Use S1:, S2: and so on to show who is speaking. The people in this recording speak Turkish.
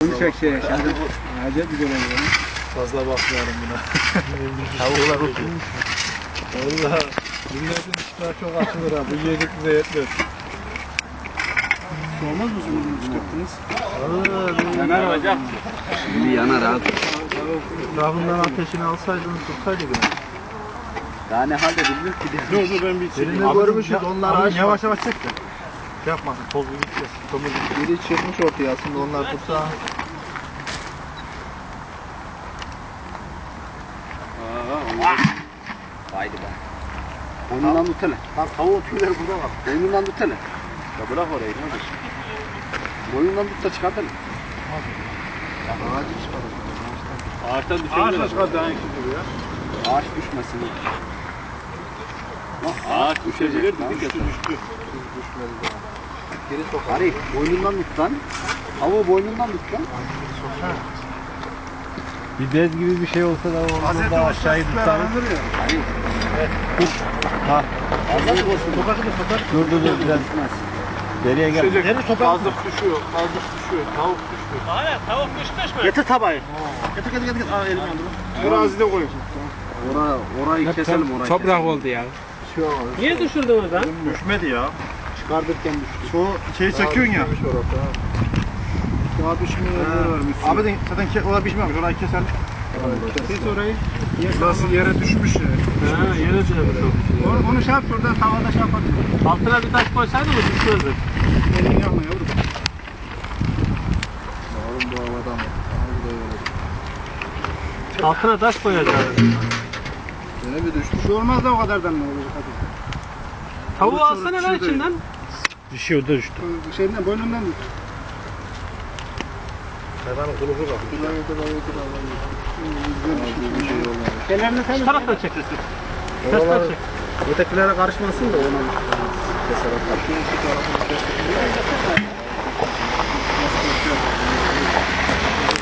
S1: Konuşacak şey yaşadım. Acayip güzel oluyor.
S2: Fazla bakmıyorum buna. Tavuklar oturmuş. Valla milletin iştahı çok açılır ha. Bu yedik bize yetmez.
S1: Olmaz mı bunu çıkarttınız?
S2: Yanar olacak.
S3: Şimdi yanar abi.
S2: Etrafından ateşini alsaydınız tutsaydı gene.
S3: Daha ne halde bilmiyor ki.
S1: Dur ben bir
S2: Birini görmüşüz onlar ağaç. Yavaş yavaş çek de. Yapmasın toz bir gideceğiz. Biri çıkmış ortaya aslında onlar tutsa.
S3: Haydi be. Boynundan tut hele.
S2: Lan tavuğun tüyleri burada var.
S3: Boynundan tut hele.
S2: Ya bırak orayı ne olur.
S3: Boynundan tut da çıkart hele.
S2: Ağacı çıkarır.
S3: Ağaçtan düşebilir.
S2: Ağaçla çıkar daha iyi gibi ya.
S3: Ağaç düşmesin. Ağaç düşebilir dedik ya.
S2: Düştü. Düşmedi daha. Geri sokar.
S3: Arif boynundan tut lan. Tavuğu boynundan tut lan.
S2: Bir bez gibi bir şey olsa da onu da aşağıya tutarız.
S3: Arif.
S2: Tut. Ha.
S3: Azıcık olsun.
S2: Dur biraz. Geriye gel.
S1: Geri sokak.
S2: Azlık düşüyor. Azlık düşüyor. Tavuk düştü.
S4: Aynen tavuk düşmüş mü?
S1: Getir tabağı. Getir. Aa elim yandı.
S2: Terazide koyun.
S3: Orayı keselim orayı.
S4: Toprak oldu ya. Niye düşürdünüz lan?
S2: Düşmedi ya.
S3: Çıkartırken düştü.
S1: Şu şeyi çekiyorsun ya.
S3: Daha düşmüyor.
S1: Abi de zaten orada pişmemiş. Orayı keselim.
S3: Kes orayı.
S1: Nasıl yere düşmüş ya.
S4: Ha, yere düşürdü.
S1: Onu şey yap şuradan tavada şey yapalım.
S4: Altına bir taş koysaydı mı düşmezdi?
S1: Elini yakma yavrum.
S2: Oğlum bu havada mı?
S4: Altına taş koyacağız.
S2: Gene bir düştü.
S1: Bir şey olmaz da o kadardan ne olacak hadi.
S4: Tavuğu alsana lan içinden.
S2: Düşüyor da düştü.
S1: Şeyden boynundan tut.
S2: Hayvanın kuluğu bak.
S1: Ellerini sen
S4: Şu taraftan çek. Ters çek.
S1: ötekilere karışmasın da ona keserek.